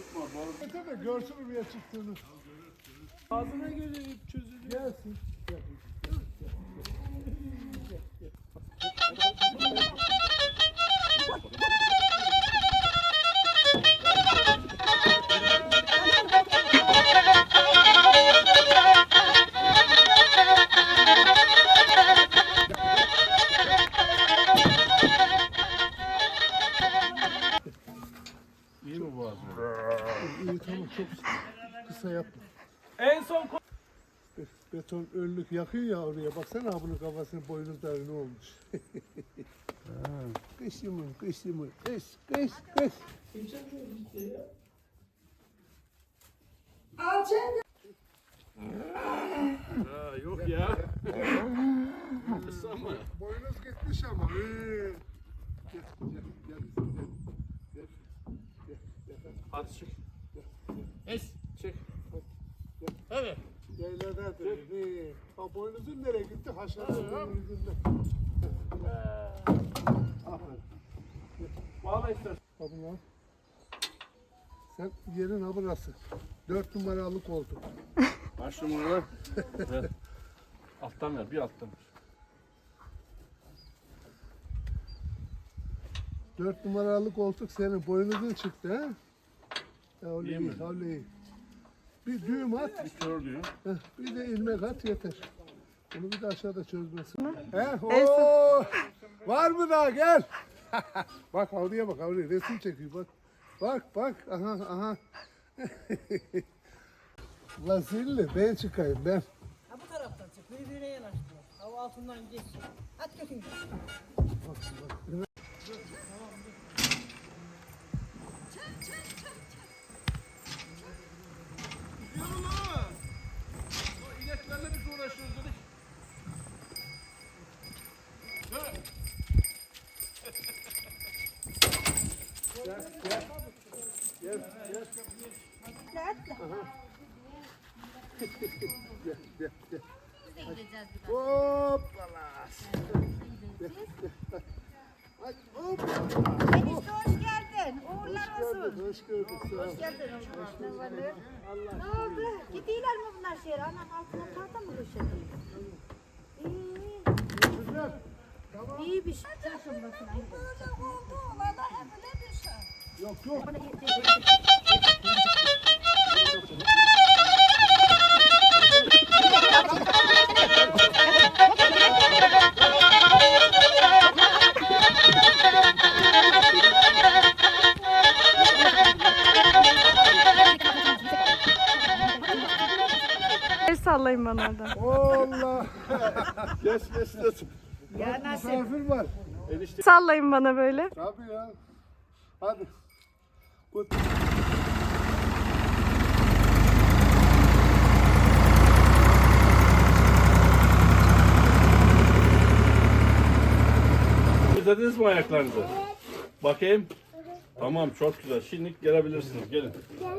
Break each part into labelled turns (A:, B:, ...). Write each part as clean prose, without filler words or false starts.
A: Tabii görsün buraya çıktığını.
B: Ağzına gelip çözülür.
A: Gelsin.
B: İyi mi bu ağzı?
A: İyi tamam çok kısa yapma.
B: En son
A: Beton önlük yakıyor ya oraya. Baksana bunun kafasının boynuzları ne olmuş. Kış yumur, kış yumur. Kış.
B: yok ya. Kısa mı?
A: Boynuz gitmiş ama. Gel.
B: Hadi çık. Es çık. Evet.
A: Yayladadır. Ha boynuzun nereye gitti? Haşarın yüzünden. Aferin.
B: Bağla istersen.
A: Abi lan. Sen yerin ha burası. 4 numaralı koltuk.
B: Kaç numara? Evet. Alttan ver, bir alttan ver.
A: 4 numaralı koltuk senin boynuzun çıktı ha? Ya
B: İyi mi?
A: öyle iyi. Bir düğüm at,
B: Bir kör diyor.
A: bir de ilmek at yeter. Bunu bir de aşağıda çözmesin. Oo! Var mı daha gel. Bak havluya bak havluya resim çekiyor bak. Bak aha. Ulan seninle ben çıkayım ben.
C: Ha bu taraftan çık. Birbirine yanaştır. Hava altından geç. At götün.
B: İneklerle biz uğraşıyoruz dedik.
A: Gel. Hoppala. Hadi hop.
D: Enişte hoş geldin. Uğurlar olsun.
A: Hoş gördük. Sağ ol.
D: Hoş geldin. Ne oldu? Gidiyorlar mı bunlar şehre? Anam altına tahta mı döşedi? İyi.
A: Güzel.
D: İyi bir şey. Taşın bakın.
C: Böyle oldu. Valla evine düşer.
A: Yok.
E: El sallayın bana oradan.
A: Allah. Geç.
D: Ya
A: Bak
D: nasıl?
A: misafir var.
E: Sallayın bana böyle.
A: Tabii ya. Hadi.
B: Düzlediniz mi ayaklarınızı? Bakayım. Tamam, çok güzel. Şimdi gelebilirsiniz. Gelin.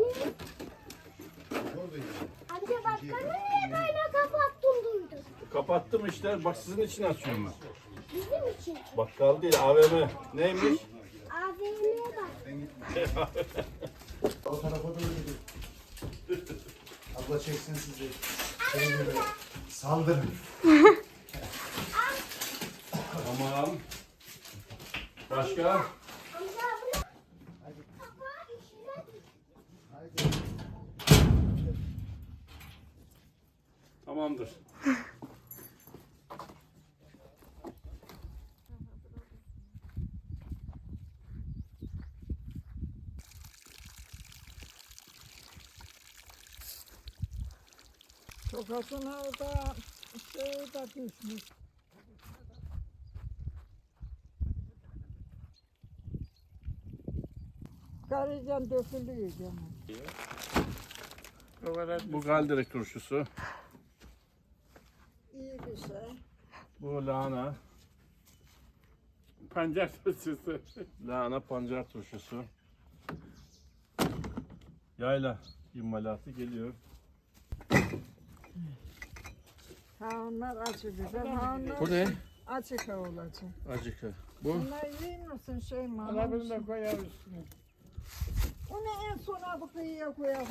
F: Amca bakkala niye böyle kapattın duydun?
B: Kapattım işte. Bak sizin için açıyorum ben.
F: Bizim için.
B: Bakkal değil, AVM. Neymiş?
F: AVM'ye bak.
G: O tarafa doğru gidin. Abla çeksin sizi. Şey gibi. Saldırın.
B: Tamam. Başka?
F: Amca abla. Kapağı işine düş.
B: Tamamdır.
C: Sokasına da da düşmüş. Karıcan dökülüyor canım.
B: Bu galdirek turşusu.
C: İyi bir şey.
B: Bu lahana. Pancar turşusu. Lahana pancar turşusu. Yayla imalatı geliyor.
C: Ha onlar acı biber. Ha onlar
B: Bu ne?
C: açık olacak.
B: Acıkı. Bu?
C: Bunlar yiyin misin şey mi?
A: Alabilir de koyar üstüne.
C: Onu en sona bu kıyıya koyalım.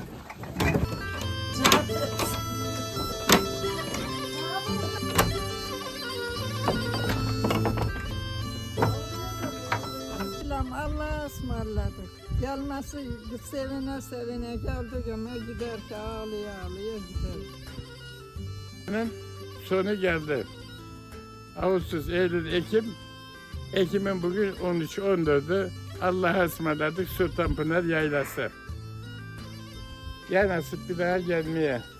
C: Allah'a ısmarladık. Gelmesi sevine sevine geldik ama gider ki ağlaya ağlaya gider.
H: Sonu geldi. Ağustos, Eylül, Ekim. Ekim'in bugün 13-14'ü. Allah'a ısmarladık Sultanpınar Yaylası. Ya nasip bir daha gelmeye.